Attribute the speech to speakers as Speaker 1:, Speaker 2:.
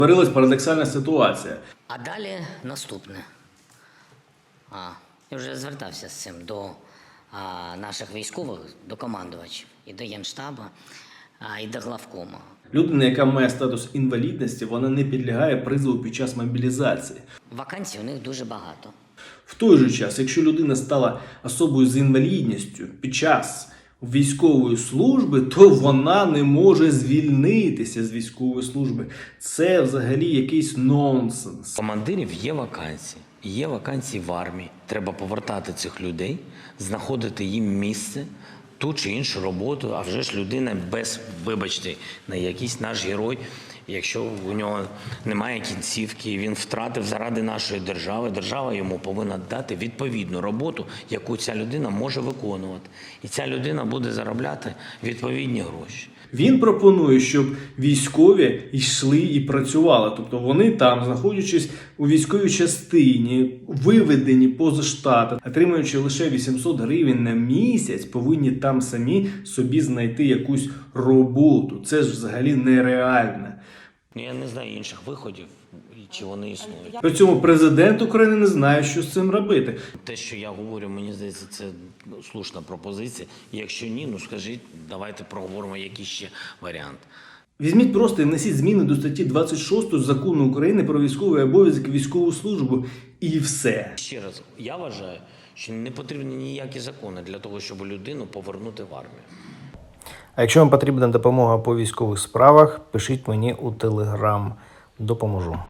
Speaker 1: Створилась парадоксальна ситуація.
Speaker 2: А далі наступне. Я вже звертався з цим до наших військових, до командувачів, і до Генштабу, і до главкома.
Speaker 1: Людина, яка має статус інвалідності, вона не підлягає призову під час мобілізації.
Speaker 2: Вакансій у них дуже багато.
Speaker 1: В той же час, якщо людина стала особою з інвалідністю під час військової служби, то вона не може звільнитися з військової служби. Це взагалі якийсь нонсенс.
Speaker 3: Командирів є вакансії. Є вакансії в армії. Треба повертати цих людей, знаходити їм місце, ту чи іншу роботу. А вже ж людина без, вибачте, на якийсь наш герой, якщо у нього немає кінцівки, він втратив заради нашої держави, держава йому повинна дати відповідну роботу, яку ця людина може виконувати. І ця людина буде заробляти відповідні гроші.
Speaker 1: Він пропонує, щоб військові йшли і працювали. Тобто вони там, знаходячись у військовій частині, виведені поза штат, отримуючи лише 800 гривень на місяць, повинні там самі собі знайти якусь роботу. Це ж взагалі нереально.
Speaker 3: Я не знаю інших виходів, чи вони існують.
Speaker 1: При цьому президент України не знає, що з цим робити.
Speaker 3: Те, що я говорю, мені здається, це слушна пропозиція. Якщо ні, скажіть, давайте проговоримо який ще варіант.
Speaker 1: Візьміть просто і внесіть зміни до статті 26 Закону України про військовий обов'язок і військову службу. І все.
Speaker 3: Ще раз, я вважаю, що не потрібні ніякі закони для того, щоб людину повернути в армію.
Speaker 4: А якщо вам потрібна допомога по військових справах, пишіть мені у Telegram. Допоможу.